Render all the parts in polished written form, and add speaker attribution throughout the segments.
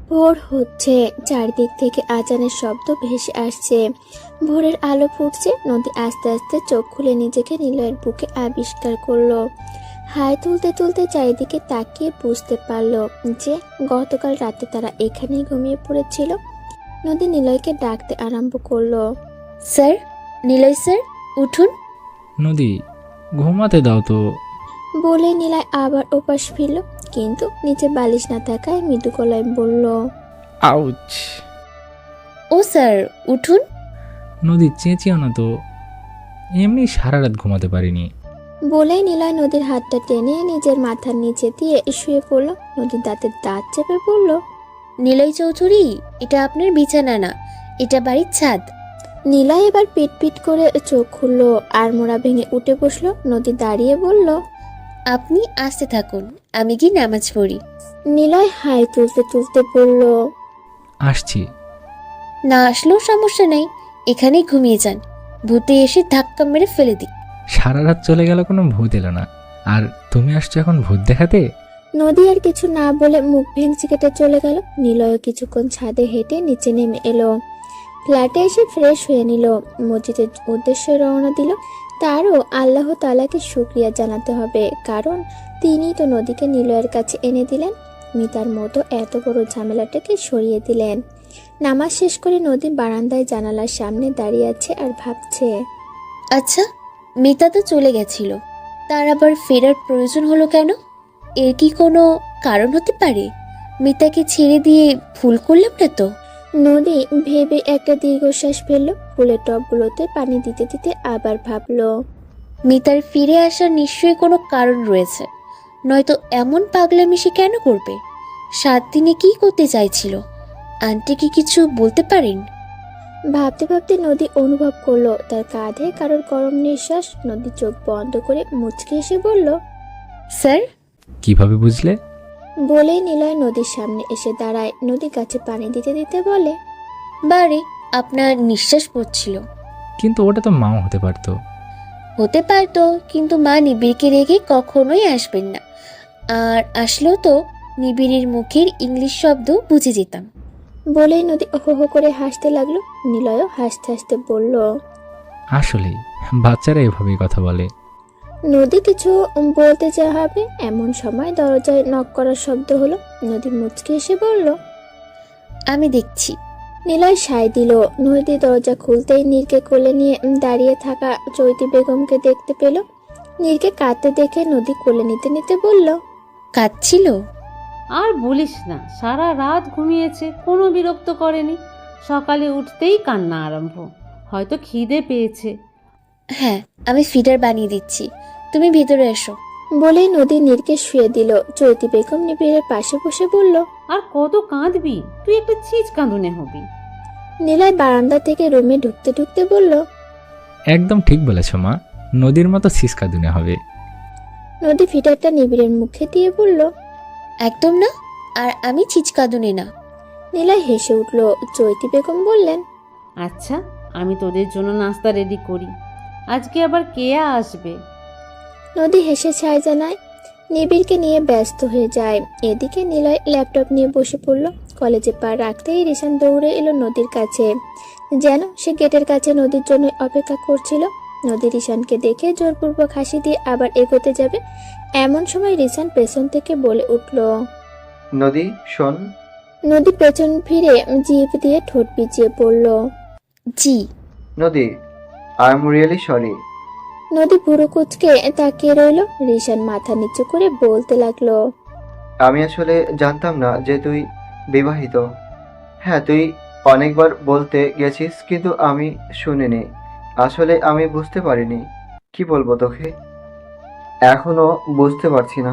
Speaker 1: ভোর হচ্ছে, চারদিক থেকে আজানের শব্দ ভেসে আসছে। ভোরের আলো ফুটছে। নদী আস্তে আস্তে চোখ খুলে নিজেকে নিলয়ের বুকে আবিষ্কার করলো। হাই তুলতে তুলতে চারিদিকে তাকিয়ে বুঝতে পারলো যে গতকাল রাতে তারা এখানেই ঘুমিয়ে পড়েছিল। নদী নিলয়কে ডাকতে আরম্ভ করলো।
Speaker 2: স্যার, নিলয় স্যার, উঠুন।
Speaker 3: নদী, ঘুমাতে দাও তো।
Speaker 1: বলে নিলয় আবার ওপাশ ফিরল, কিন্তু নিচে বালিশ না থাকায় মৃদু গলায় বলল,
Speaker 3: আউচ।
Speaker 2: ও স্যার, উঠুন।
Speaker 3: নদী, চেঁচিও না তো, এমনি সারা রাত ঘুমাতে পারিনি।
Speaker 1: বলেই নিলয় নদীর হাতটা টেনে নিজের মাথার নিচে দিয়ে শুয়ে পড়ল। নদীর দাঁতের দাঁত চেপে পড়ল,
Speaker 2: নিলয় চৌধুরী, এটা আপনার বিছানা না, এটা বাড়ির ছাদ।
Speaker 1: নিলয় এবার পিট পিট করে চোখ খুললো, আর মোড়া ভেঙে উঠে বসলো। নদী দাঁড়িয়ে বলল,
Speaker 2: আপনি আসতে থাকুন, আমি কি নামাজ পড়ি।
Speaker 1: নিলয় হাই তুলতে তুলতে বলল,
Speaker 3: আসছি।
Speaker 2: না আসলেও সমস্যা নেই, এখানেই ঘুমিয়ে যান, ভূতে এসে ধাক্কা মেরে ফেলে দিই।
Speaker 3: সারা রাত চলে গেল, কোনো ভূত এলো না, আর তুমি আসছো এখন ভূত দেখাতে?
Speaker 1: নদী আর কিছু না বলে মুখ ভেঙচি কেটে চলে গেল। নিলয় কিছুক্ষণ ছাদে হেঁটে নিচে নেমে এলো। ফ্ল্যাটে এসে ফ্রেশ হয়ে নিল, মসজিদের উদ্দেশ্যে রওনা দিল। তারও আল্লাহ তাআলাকে শুকরিয়া জানাতে হবে, কারণ তিনিই তো নদীকে নিলয়ের কাছে এনে দিলেন, মিতার মতো এত বড় ঝামেলাটাকে সরিয়ে দিলেন। নামাজ শেষ করে নদী বারান্দায় জানালার সামনে দাঁড়িয়ে আছে আর ভাবছে।
Speaker 2: আচ্ছা, মিতা তো চলে গেছিল, তার আবার ফেরার প্রয়োজন হলো কেন? এর কি কোনো কারণ হতে পারে? মিতাকে ছেড়ে দিয়ে ভুল করলাম না তো?
Speaker 1: নদী ভেবে একটা দীর্ঘশ্বাস ফেললো। ফুলের টবগুলোতে পানি দিতে দিতে আবার ভাবলো,
Speaker 2: মিতার ফিরে আসার নিশ্চয়ই কোনো কারণ রয়েছে, নয়তো এমন পাগলামি সে কেন করবে? 7 দিনে কি করতে চাইছিল? আন্টি কি কিছু বলতে পারেন?
Speaker 1: ভাবতে ভাবতে নদী অনুভব করলো তার কাঁধে কারোর গরম নিঃশ্বাস। নদী চোখ বন্ধ করে মুচকে এসে বলল,
Speaker 2: স্যার।
Speaker 3: কিভাবে বুঝলে?
Speaker 1: বলেই নিলয় নদীর সামনে এসে দাঁড়ায়। নদী গাছে পানি দিতে দিতে বলে,
Speaker 2: বারে, আপনার নিঃশ্বাস পড়ছিল।
Speaker 3: কিন্তু ওটা তো মাও হতে পারতো।
Speaker 2: হতে পারতো, কিন্তু মা নিবিড়কে রেখে কখনোই আসবেন না, আর আসলেও তো নিবিড়ের মুখের ইংলিশ শব্দ বুঝে যেতাম।
Speaker 1: বলেই নদী হো হো করে হাসতে লাগলো। নিলয়ও হাসতে হাসতে বলল,
Speaker 3: আসলেই বাচ্চারা এভাবেই কথা বলে।
Speaker 1: নদী কিছু বলতে চাওয়া হবে, এমন সময় দরজায় নক করার শব্দ হলো। নদী মুচকে এসে বলল,
Speaker 2: আমি দেখছি।
Speaker 1: নিলয় সায় দিল। নদী দরজা খুলতেই নীরকে কোলে নিয়ে দাঁড়িয়ে থাকা চৈতি বেগমকে দেখতে পেল। নীরকে কাঁদতে দেখে নদী কোলে নিতে নিতে বলল,
Speaker 2: কাঁদছিল?
Speaker 4: আর বলিস না, সারা রাত ঘুমিয়েছে, কোনো বিরক্ত করেনি। সকালে উঠতেই কান্না আরম্ভ, হয়তো খিদে পেয়েছে।
Speaker 2: হ্যাঁ, আমি ফিডার বানিয়ে দিচ্ছি, তুমি ভিতরে এসো।
Speaker 1: বলেই নদী নীরকে শুয়ে দিল। চৈতি বেগম নিবিড়ের পাশে বসে বলল,
Speaker 4: আর কত কাঁদবি, তুই একটা চিজ কাঁদুনে হবি।
Speaker 1: নিলয় বারান্দা থেকে রুমে ঢুকতে ঢুকতে বলল,
Speaker 3: একদম ঠিক বলেছ মা, নদীর মতো সিসকা দুনে হবে।
Speaker 1: নদী ফিটারটা নিবিড়ের মুখে দিয়ে বলল,
Speaker 2: একদম না, আর আমি ছিচকাদুনে না।
Speaker 1: নিলয় হেসে উঠল। চৈতি বেগম বললেন,
Speaker 4: আচ্ছা, আমি তোদের জন্য নাস্তা রেডি করি। আজকে আবার কেয়া আসবে।
Speaker 1: নদী হেসে ছায় জানায়। নিবিড়কে নিয়ে ব্যস্ত হয়ে যায়। এদিকে নিলয় ল্যাপটপ নিয়ে বসে পড়ল। কলেজে পা রাখতেই রিশান দৌড়ে এলো নদীর কাছে, যেন সে গেটের কাছে নদীর জন্য অপেক্ষা করছিল। নদী রিশানকে দেখে জোরপূর্বক হাসি দিয়ে আবার এগোতে যাবে, এমন সময় রিশান পেছন থেকে বলে উঠল,
Speaker 5: নদী শোন।
Speaker 1: নদী পেছন ফিরে জিভ দিয়ে ঠোঁট পিছিয়ে পড়ল।
Speaker 2: জি।
Speaker 5: নদী, আই এম রিয়েলি সরি।
Speaker 1: নদী পুরো কুচকে তাকিয়ে রইল। রিশান মাথা নিচু করে বলতে লাগলো,
Speaker 5: আমি আসলে জানতাম না যে তুই বিবাহিত। হ্যাঁ, তুই অনেকবার বলতে গেছিস, কিন্তু আমি শুনিনি। আসলে আমি বুঝতে পারিনি। কি বলবো তোকে, এখনো বুঝতে পারছি না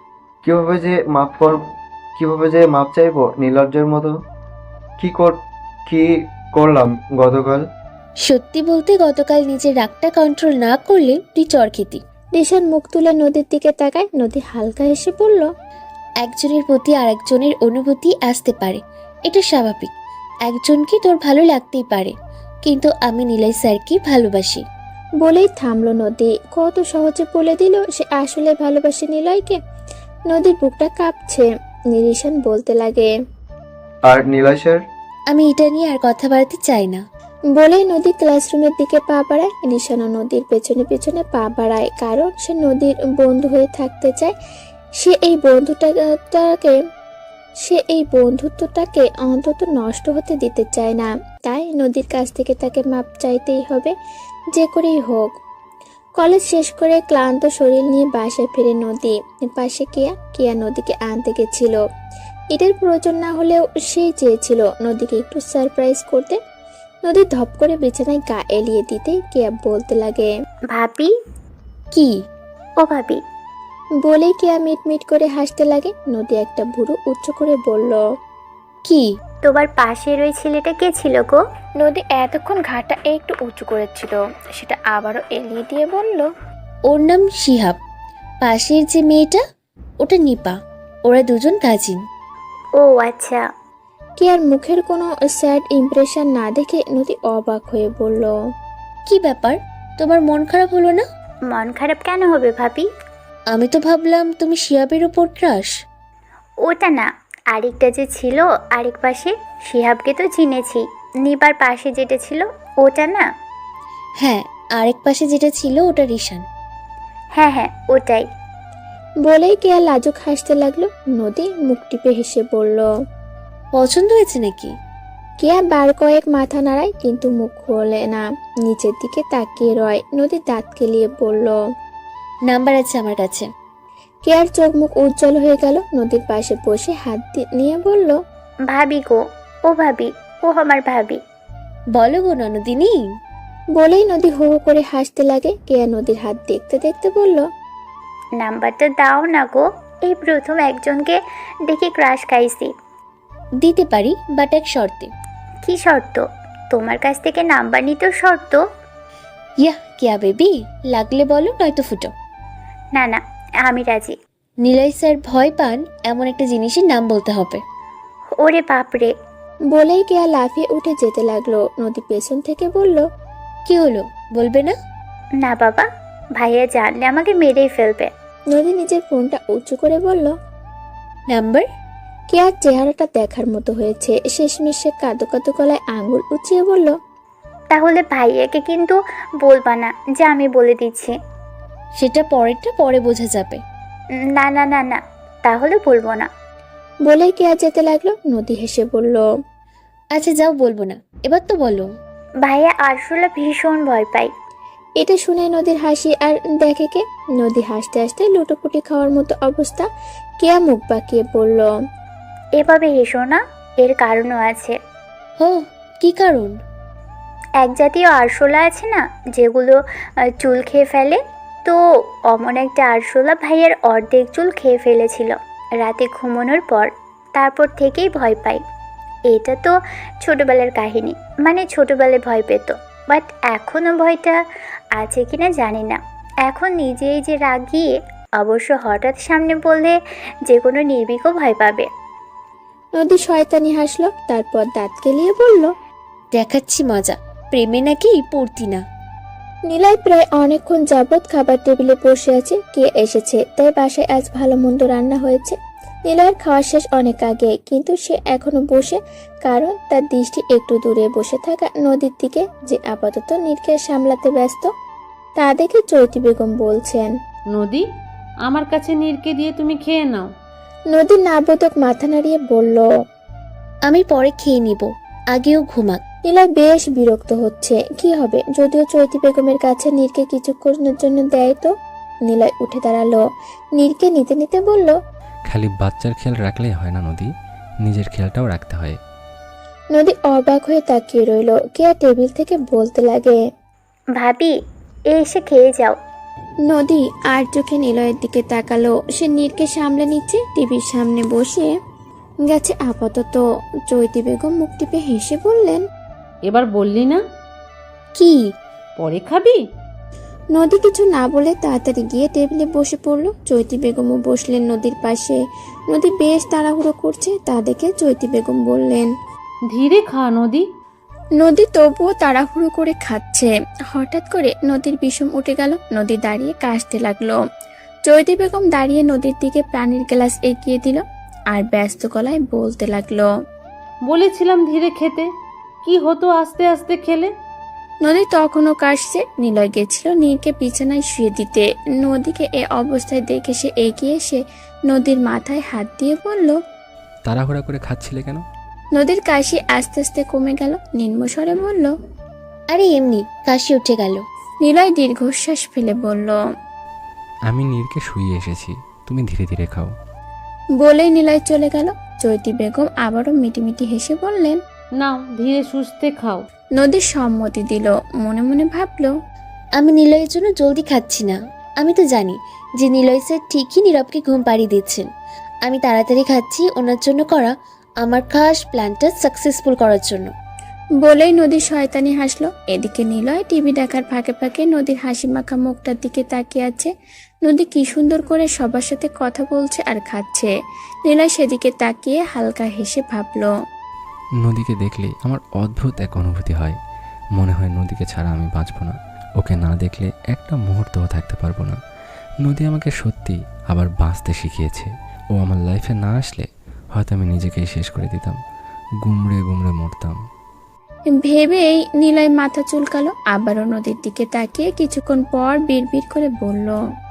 Speaker 5: কিভাবে যে মাপ চাইবো নির্লজ্জের মতো। কি করলাম গতকাল?
Speaker 2: সত্যি বলতে গতকাল নিজের রাগটা কন্ট্রোল না করলে তুই চর খেতি।
Speaker 1: রিশান মুখ তুলে নদীর দিকে তাকায়। নদী হালকা হেসে বলল,
Speaker 2: একজনের প্রতি আরেকজনের অনুভূতি আসতে পারে, এটা স্বাভাবিক। একজনকে তোর ভালো লাগতেই পারে, কিন্তু আমি নিলয় স্যারকে ভালোবাসি।
Speaker 1: বলেই থামলো নদী। কত সহজে বলে দিল সে আসলে ভালোবাসে নিলয়কে। নদীর বুকটা কাঁপছে। রিশান বলতে লাগে,
Speaker 5: আর নিলয় স্যার?
Speaker 2: আমি এটা নিয়ে আর কথা বাড়াতে চাই না।
Speaker 1: বলেই নদী ক্লাসরুমের দিকে পা বাড়ায়। নিশানা নদীর পেছনে পেছনে পা বাড়ায়, কারণ সে নদীর বন্ধু হয়ে থাকতে চায়। সে এই বন্ধুত্বটাকে অন্তত নষ্ট হতে দিতে চায় না। তাই নদীর কাছ থেকে তাকে মাপ চাইতেই হবে, যে করেই হোক। কলেজ শেষ করে ক্লান্ত শরীর নিয়ে বাসায় ফিরে নদী। পাশে কেয়া নদীকে আনতে গেছিল। এটার প্রয়োজন না হলেও সেই চেয়েছিল নদীকে একটু সারপ্রাইজ করতে। নদী ধপ করে বিছানায় গা এলিয়ে দিতেই কেয়া বলতে লাগে,
Speaker 6: ভাবি।
Speaker 2: কি?
Speaker 6: ও ভাবি।
Speaker 1: বলেই কেয়া মিটমিট করে হাসতে লাগে। নদী একটা ভুরু উচ্চ করে বলল,
Speaker 2: কি?
Speaker 6: তোমার পাশের ওই ছেলেটা কে ছিল গো?
Speaker 1: নদী এতক্ষণ ঘাটা একটু উঁচু করেছিল, সেটা আবারও এলিয়ে দিয়ে বলল,
Speaker 2: ওর নাম শিহাব। পাশের যে মেয়েটা, ওটা নিপা। ওরা দুজন কাজিন।
Speaker 6: ও আচ্ছা।
Speaker 1: কেয়ার মুখের কোনো স্যাড ইমপ্রেশন না দেখে নদী অবাক হয়ে বলল,
Speaker 2: কি ব্যাপার, তোমার মন খারাপ হলো না?
Speaker 6: মন খারাপ কেন হবে ভাবি?
Speaker 2: আমি তো ভাবলাম তুমি শিহাবের ওপর ক্রাশ।
Speaker 6: ওটা না, আরেকটা যে ছিল আরেক পাশে, শিহাবকে তো চিনেছি। নিবার পাশে যেটা ছিল ওটা না?
Speaker 2: হ্যাঁ, আরেক পাশে যেটা ছিল ওটা রিশান।
Speaker 6: হ্যাঁ হ্যাঁ, ওটাই।
Speaker 1: বলেই কেয়া লাজুক হাসতে লাগলো। নদী মুখ টিপে হেসে বলল,
Speaker 2: পছন্দ হয়েছে নাকি?
Speaker 1: কেয়া বার কয়েক মাথা নাড়ায়, কিন্তু মুখ খোলে না, নিচের দিকে তাকিয়ে রয়। নদী দাঁত কেলিয়ে বলল,
Speaker 2: নাম্বার আছে আমার কাছে।
Speaker 1: কেয়ার চোখ মুখ উজ্জ্বল হয়ে গেল। নদীর পাশে বসে হাত নিয়ে বলল,
Speaker 6: ভাবি গো। ও ভাবি, ও আমার ভাবি।
Speaker 2: বলো গো ননদিনী।
Speaker 1: বলেই নদী হো হো করে হাসতে লাগে। কেয়া নদীর হাত দেখতে দেখতে বলল,
Speaker 6: নাম্বারটা দাও না গো, এই প্রথম একজনকে দেখে ক্রাশ খাইছি।
Speaker 2: দিতে পারি, বাট এক শর্তে।
Speaker 6: কি শর্ত? তোমার কাছ থেকে নাম্বার নিতেও শর্ত?
Speaker 2: ইয়া কেয়া বেবি, লাগলে বলো, নয়তো ফুটো।
Speaker 6: না না, আমি রাজি।
Speaker 2: নিলয় স্যার ভয় পান এমন একটা জিনিসের নাম বলতে হবে।
Speaker 6: ওরে বাপরে।
Speaker 1: বলেই কেয়া লাফিয়ে উঠে যেতে লাগলো। নদী পেছন থেকে বলল,
Speaker 2: কি হলো, বলবে না?
Speaker 6: না বাবা, ভাইয়া জানলে আমাকে মেরেই ফেলবে।
Speaker 1: নদী নিজের ফোনটা উঁচু করে বলল,
Speaker 2: নাম্বার?
Speaker 1: কেয়ার চেহারাটা দেখার মতো হয়েছে। শেষমেশ সে কাঁদো কাঁদো গলায় আঙুল উঁচিয়ে বলল,
Speaker 6: তাহলে ভাইয়াকে কিন্তু বলবা না যে আমি বলে দিচ্ছি।
Speaker 2: সেটা পরেরটা পরে বোঝা যাবে।
Speaker 6: না না না না, তাহলে বলবো না।
Speaker 1: বলেই কেয়া যেতে লাগলো। নদী হেসে বলল,
Speaker 2: আচ্ছা যাও, বলবো না, এবার তো বলো।
Speaker 6: ভাইয়া আরশোলা ভীষণ ভয় পাই।
Speaker 1: এটা শুনে নদীর হাসি আর দেখে কে। নদী হাসতে হাসতে লুটোপুটি খাওয়ার মতো অবস্থা। কেয়া মুখ বাঁকিয়ে বলল,
Speaker 6: এভাবে হেসো না, এর কারণও আছে।
Speaker 2: হো, কি কারণ?
Speaker 6: এক জাতীয় আরশোলা আছে না, যেগুলো চুল খেয়ে ফেলে, তো অমন একটা আরশোলা ভাইয়ের অর্ধেক চুল খেয়ে ফেলেছিল রাতে ঘুমানোর পর। তারপর থেকেই ভয় পাই। এটা তো ছোটবেলার কাহিনী, মানে ছোটবেলায় ভয় পেত, বাট এখনও ভয়টা আছে কিনা জানি না। এখন নিজেই যে রাগিয়ে, অবশ্য হঠাৎ সামনে বললে যে কোনো নির্ভীকও ভয় পাবে।
Speaker 1: নদী শয়তানি হাসলো, তারপর দাঁত কেলিয়ে বলল,
Speaker 2: দেখাচ্ছি মজা, প্রেমে নাকি পড়তি না।
Speaker 1: নিলয় প্রায় অনেকক্ষণ যাবৎ খাবার টেবিলে বসে আছে। কে এসেছে, তাই বাসায় আজ ভালো মন্দ রান্না হয়েছে। নিলয়ের খাওয়া শেষ অনেক আগে, কিন্তু সে এখনো বসে, কারণ তার দৃষ্টি একটু দূরে বসে থাকা নদীর দিকে, যে আপাতত নীরকে সামলাতে ব্যস্ত। তা দেখে চৈতি বেগম বলছেন,
Speaker 4: নদী, আমার কাছে নীরকে দিয়ে তুমি খেয়ে নাও।
Speaker 1: নদী নাবোধক মাথা নাড়িয়ে বলল,
Speaker 2: আমি পরে খেয়ে নিব, আগেও ঘুমাক।
Speaker 1: নিলয় বেশ বিরক্ত হচ্ছে। কি হবে যদিও চৈতি বেগমের কাছে নীরকে কিছুক্ষণের জন্য দেয় তো। নিলয় উঠে দাঁড়ালো, নীরকে নিতে নিতে বলল,
Speaker 3: খালি বাচ্চার খেয়াল রাখলেই হয় না নদী, নিজের খেয়ালটাও রাখতে হয়।
Speaker 1: নদী অবাক হয়ে তাকিয়ে রইল। কেয়া টেবিল থেকে বলতে লাগে,
Speaker 6: ভাবি, এসে খেয়ে যাও।
Speaker 1: নদী আর চোখে নিলয়ের দিকে তাকালো। সে নীরকে সামলে নিচ্ছে, টিভির সামনে বসে গেছে আপাতত। চৈতি বেগম মুখ টিপে হেসে বললেন,
Speaker 4: এবার বললি না?
Speaker 2: কি?
Speaker 4: পরে খাবি?
Speaker 1: নদী কিছু না বলে তাড়াতাড়ি গিয়ে টেবিলে বসে পড়ল। চৈতি বেগমও বসলেন নদীর পাশে। নদী বেশ তাড়াহুড়ো করছে, তা দেখে চৈতি বেগম বললেন,
Speaker 4: ধীরে খা নদী।
Speaker 1: নদী তবুও তাড়াহুড়ো করে খাচ্ছে। হঠাৎ করে নদীর বিষম উঠে গেল। নদী দাঁড়িয়ে কাশতে লাগলো। চৈতি বেগম দাঁড়িয়ে নদীর দিকে পানির গ্লাস এগিয়ে দিল আর ব্যস্ত গলায় বলতে লাগলো,
Speaker 4: বলেছিলাম ধীরে খেতে, কি হতো আস্তে আস্তে খেলে?
Speaker 1: নদী তখনও কাশছে। নিলয় গেছিল নীরকে বিছানায় শুয়ে দিতে। নদীকে এ অবস্থায় দেখে সে এগিয়ে এসে নদীর মাথায় হাত দিয়ে বলল।
Speaker 3: তাড়াহুড়া করে খাচ্ছিলে কেন?
Speaker 1: নদীর কাশি আস্তে আস্তে কমে গেল। নিম্নস্বরে বলল।
Speaker 2: আরে এমনি কাশি উঠে গেল।
Speaker 1: নিলয় দীর্ঘশ্বাস ফেলে বলল।
Speaker 3: আমি নীরকে শুইয়ে এসেছি, তুমি ধীরে ধীরে খাও।
Speaker 1: বলেই নিলয় চলে গেল। চৈতি বেগম আবারও মিটিমিটি হেসে বললেন।
Speaker 4: নাও ধীরে সুস্থে খাও।
Speaker 1: নদীর সম্মতি দিল। মনে মনে ভাবল।
Speaker 2: আমি নিলয়ের জন্য জলদি খাচ্ছি না। আমি তো জানি যে নিলয় স্যার ঠিকই নীরবকে ঘুম পাড়িয়ে দিচ্ছেন। আমি তাড়াতাড়ি খাচ্ছি ওনার জন্য করা আমার খাস প্ল্যানটা সাকসেসফুল করার জন্য।
Speaker 1: বলেই নদীর শয়তানি হাসলো। এদিকে নিলয় টিভি দেখার ফাঁকে ফাঁকে নদীর হাসি মাখা মুখটার দিকে তাকিয়ে আছে। নদী কি সুন্দর করে সবার সাথে কথা বলছে আর খাচ্ছে। নিলয় সেদিকে তাকিয়ে হালকা হেসে ভাবল।
Speaker 3: নদীকে দেখলে আমার অদ্ভুত এক অনুভূতি হয়। মনে হয় নদীকে ছাড়া আমি বাঁচব না। ওকে না দেখলে একটা মুহূর্তও থাকতে পারবো না। নদী আমাকে সত্যি আবার বাঁচতে শিখিয়েছে। ও আমার লাইফে না আসলে হয়তো আমি নিজেকেই শেষ করে দিতাম, গুমড়ে গুমড়ে মরতাম।
Speaker 1: ভেবেই নিলয় মাথা চুলকালো। আবারও নদীর দিকে তাকিয়ে কিছুক্ষণ পর বিড়বিড় করে বলল।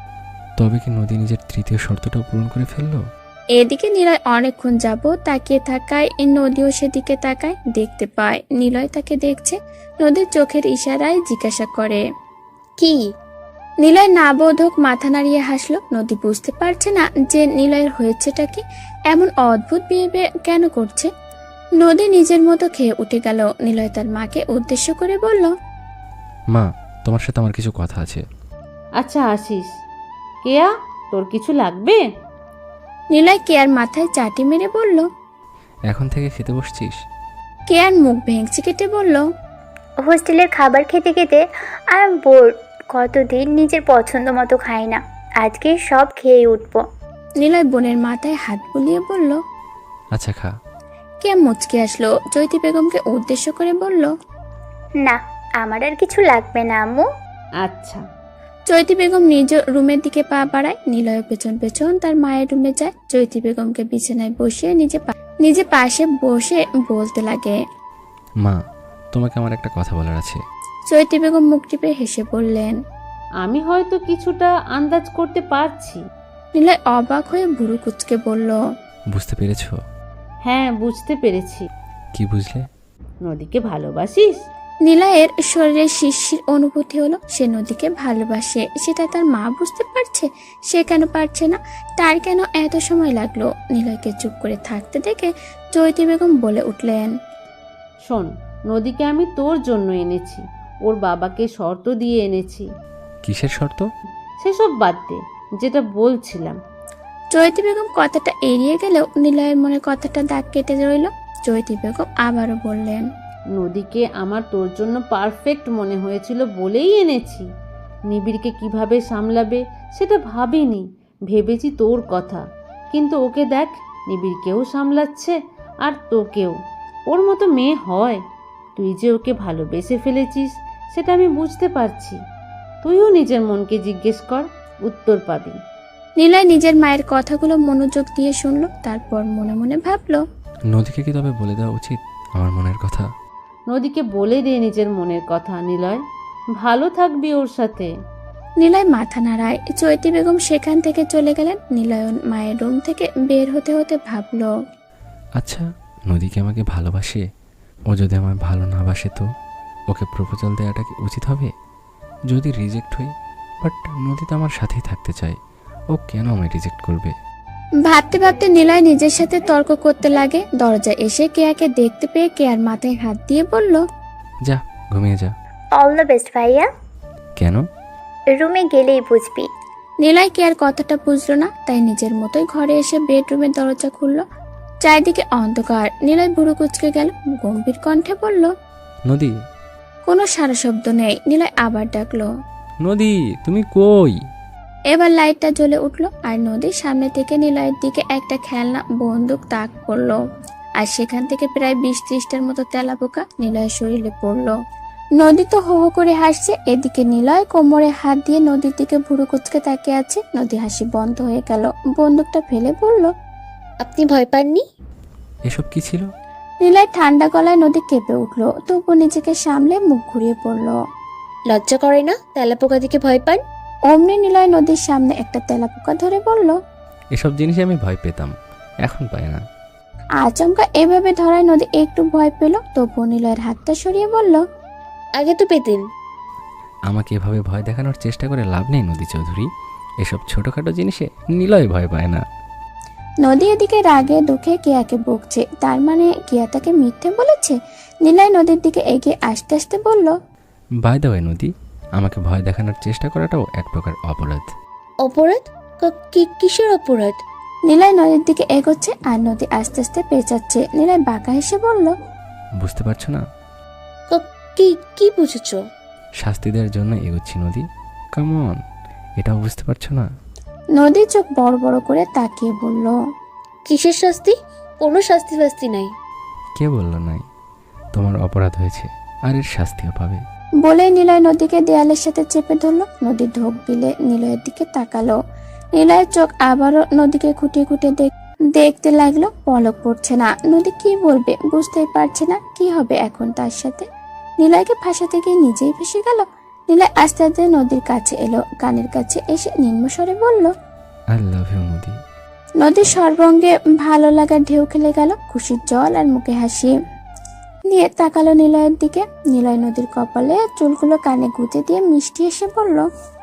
Speaker 3: তবে কি নদী নিজের তৃতীয় শর্তটাও পূরণ করে ফেললো?
Speaker 1: এদিকে নিলয় অনেকক্ষণ যাবত তাকিয়ে থাকায় নদীও সেদিকে তাকায়। দেখতে পায় নিলয় তাকে দেখছে। নদীর চোখের ইশারায় জিজ্ঞাসা করে।
Speaker 2: কি?
Speaker 1: নিলয় নাবোধক মাথা নাড়িয়ে হাসলো। নদী বুঝতে পারছে না যে নিলয়ের হয়েছেটা কি, এমন অদ্ভুত বিহেভিয়ার কেন করছে। নদী নিজের মতো খেয়ে উঠে গেল। নিলয় তার মাকে উদ্দেশ্য করে বলল।
Speaker 3: মা, তোমার সাথে আমার কিছু কথা আছে।
Speaker 4: আচ্ছা আসিস। কেয়া, তোর কিছু লাগবে?
Speaker 1: নিলয় কেয়ার মাথায় চাটি মেরে বলল।
Speaker 3: এখন থেকে খেতে বসছিস?
Speaker 1: কেয়ার মুখ ভেঙচি কেটে বলল।
Speaker 6: হোস্টেলের খাবার খেতে খেতে আর বোর, কতদিন নিজের পছন্দ মতো খাই না, আজকে সব খেয়ে উঠবো।
Speaker 1: নিলয় বোনের মাথায় হাত বুলিয়ে বলল।
Speaker 3: আচ্ছা খা।
Speaker 1: কেয়া মুচকে আসলো। চৈতি বেগমকে উদ্দেশ্য করে বলল।
Speaker 6: না, আমার আর কিছু লাগবে না আম্মু।
Speaker 4: আচ্ছা।
Speaker 1: চৈতি বেগম নিজ রুমের দিকে পা বাড়ায়। নিলয় পেছন পেছন তার মায়ের রুমে যায়। চৈতি বেগমকে বিছানায় বসিয়ে নিজে পাশে বসে বলতে লাগে।
Speaker 3: মা, তোমাকে আমার একটা কথা বলার আছে।
Speaker 1: চৈতি বেগম মুখ টিপে হেসে বললেন।
Speaker 4: আমি হয়তো কিছুটা আন্দাজ করতে পারছি।
Speaker 1: নিলয় অবাক হয়ে ভুরু কুচকে বলল।
Speaker 3: বুঝতে পেরেছো?
Speaker 4: হ্যাঁ, বুঝতে পেরেছি।
Speaker 3: কি বুঝলে?
Speaker 4: নদীকে ভালোবাসিস?
Speaker 1: নিলয়ের শরীরে শিরশির অনুভূতি হলো। সে নদীকে ভালোবাসে, সেটা তার মা বুঝতে পারছে। সে কেন পারছে না? তার কেন এত সময় লাগলো? নিলয়কে চুপ করে থাকতে দেখে চৈতি বেগম বলে উঠলেন।
Speaker 4: শোন, নদীকে আমি তোর জন্য এনেছি। ওর বাবাকে শর্ত দিয়ে এনেছি।
Speaker 3: কিসের শর্ত?
Speaker 4: সেসব বাদ দে, যেটা বলছিলাম।
Speaker 1: চৈতি বেগম কথাটা এড়িয়ে গেলেও নিলয়ের মনে কথাটা দাগ কেটে রইল। চৈতি বেগম আবারও বললেন।
Speaker 4: নদীকে আমার তোর জন্য পারফেক্ট মনে হয়েছিল বলেই এনেছি। নিবিড়কে কিভাবে সামলাবে সেটা ভাবিনি, ভেবেছি তোর কথা। কিন্তু ওকে দেখ, নিবিড়কেও সামলাচ্ছে আর তোকেও। ওর মতো মেয়ে হয়? তুই যে ওকে ভালোবেসে ফেলেছিস সেটা আমি বুঝতে পারছি। তুইও নিজের মনকে জিজ্ঞেস কর, উত্তর পাবি।
Speaker 1: নিলয় নিজের মায়ের কথাগুলো মনোযোগ দিয়ে শুনল। তারপর মনে মনে ভাবল।
Speaker 3: নদীকে কি তবে বলে দেওয়া উচিত আমার মনের কথা?
Speaker 4: নদীকে বলে দে নিজের মনের কথা নিলয়, ভালো থাকবি ওর সাথে।
Speaker 1: নিলয় মাথা নাড়ায়। চৈতি বেগম সেখান থেকে চলে গেলেন। নিলয়ন মায়ের রুম থেকে বের হতে হতে ভাবল।
Speaker 3: আচ্ছা, নদীকে আমাকে ভালোবাসে? ও যদি আমায় ভালো না বাসে তো ওকে প্রপোজাল দেওয়াটা কি উচিত হবে? যদি রিজেক্ট হই, বাট নদী তো আমার সাথেই থাকতে চায়, ও কেন আমায় রিজেক্ট করবে?
Speaker 1: ভাবতে ভাবতে নিলয় নিজের সাথে তর্ক করতে লাগে। দরজা এসে কেয়াকে দেখতে পেয়ে কেয়ার মাথায় হাত দিয়ে বলল।
Speaker 3: যা ঘুমিয়ে যা।
Speaker 6: অল দ্য বেস্ট ভাইয়া।
Speaker 3: কেন?
Speaker 6: রুমে গেলেই বুঝবি।
Speaker 1: নিলয় কেয়ার কথাটা বুঝলো না, তাই নিজের মতোই ঘরে এসে বেডরুমের দরজা খুলল। চারিদিকে অন্ধকার। নিলয় বুড়ো কুচকে গেল। গম্ভীর কণ্ঠে বলল।
Speaker 3: নদী।
Speaker 1: কোনো সারা শব্দ নেই। নিলয় আবার ডাকলো।
Speaker 3: নদী, তুমি কই?
Speaker 1: এবার লাইটটা জ্বলে উঠলো আর নদীর সামনে থেকে নিলয়ের দিকে একটা খেলনা বন্দুক তাক করলো। আর সেখান থেকে প্রায় 20-30টার মতো তেলাপোকা নিলয়ের শরীরে পড়লো। নদী তো হো হো করে হাসছে। এদিকে নিলয় কোমরে হাত দিয়ে নদীর দিকে ভুরু কুচকে তাকিয়ে আছে। নদী হাসি বন্ধ হয়ে গেল। বন্দুকটা ফেলে বলল।
Speaker 2: আপনি ভয় পাননি?
Speaker 3: এসব কি ছিল?
Speaker 1: নিলয় ঠান্ডা গলায় নদী কেঁপে উঠলো, তবু নিজেকে সামলে মুখ ঘুরিয়ে পড়ল।
Speaker 2: লজ্জা করে না তেলাপোকা দিকে ভয় পান?
Speaker 1: অমনি নিলয় নদীর সামনে একটা তেলাপোকা ধরে বলল।
Speaker 3: এসব জিনিসে আমি ভয় পেতাম, এখন পাই না।
Speaker 1: আচমকা এভাবে ধরায় নদী একটু ভয় পেল, তবু নিলয়ের হাতটা সরিয়ে বলল।
Speaker 2: আগে তো পেতেন।
Speaker 3: আমাকে এভাবে ভয় দেখানোর চেষ্টা করে লাভ নেই নদী চৌধুরী। এসব ছোটোখাটো জিনিসে নিলয় ভয় পায় না।
Speaker 1: নদী এদিকে রাগে দুঃখে কেয়াকে বকছে, তার মানে কেয়া তাকে মিথ্যে বলেছে। নিলয় নদীর দিকে এগিয়ে আস্তে আস্তে বলল।
Speaker 3: বাই দ্য ওয়ে নদী, আমাকে ভয় দেখানোর চেষ্টা করাটাও এক প্রকার অপরাধ।
Speaker 2: অপরাধ? কিসের অপরাধ?
Speaker 1: নিলয় নদীর দিকে এগোচ্ছে আর নদী আস্তে আস্তে পেঁচাচ্ছে। নিলয় বাঁকা হেসে বলল।
Speaker 3: বুঝতে পারছো না?
Speaker 2: কি বুঝেছো?
Speaker 3: শাস্তি দেওয়ার জন্য এগোচ্ছি নদী, কামন, এটাও বুঝতে পারছো না?
Speaker 1: নদী চোখ বড় বড় করে তাকিয়ে বলল।
Speaker 2: কিসের শাস্তি? কোনো শাস্তি ফাস্তি নাই।
Speaker 3: কে বললো নাই? তোমার অপরাধ হয়েছে, আর এর শাস্তিও পাবে।
Speaker 1: বলে নিলয় নদীকে দেয়ালের সাথে চেপে ধরলো। নদী ঢোক গিলে নিলয়ের দিকে তাকালো। নিলয়ের চোখ আবারও নদীকে খুঁটিয়ে খুঁটিয়ে দেখতে লাগলো। পলক পড়ছে না। নদী কি বলবে বুঝতেই পারছে না। কি হবে এখন তার সাথে? নিলয়কে ফাঁসাতে গিয়ে নিজেই ফেসে গেল। নিলয় আস্তে আস্তে নদীর কাছে এলো, কানের কাছে এসে নিম্ন স্বরে বলল।
Speaker 3: আই লাভ ইউ নদী।
Speaker 1: নদীর সর্বঙ্গে ভালো লাগার ঢেউ খেলে গেল। খুশির জল আর মুখে হাসি নিয়ে তাকালো নিলয়ের দিকে। নিলয় নদীর কপালে চুলগুলো কানে গুঁজে দিয়ে মিষ্টি এসে বলল।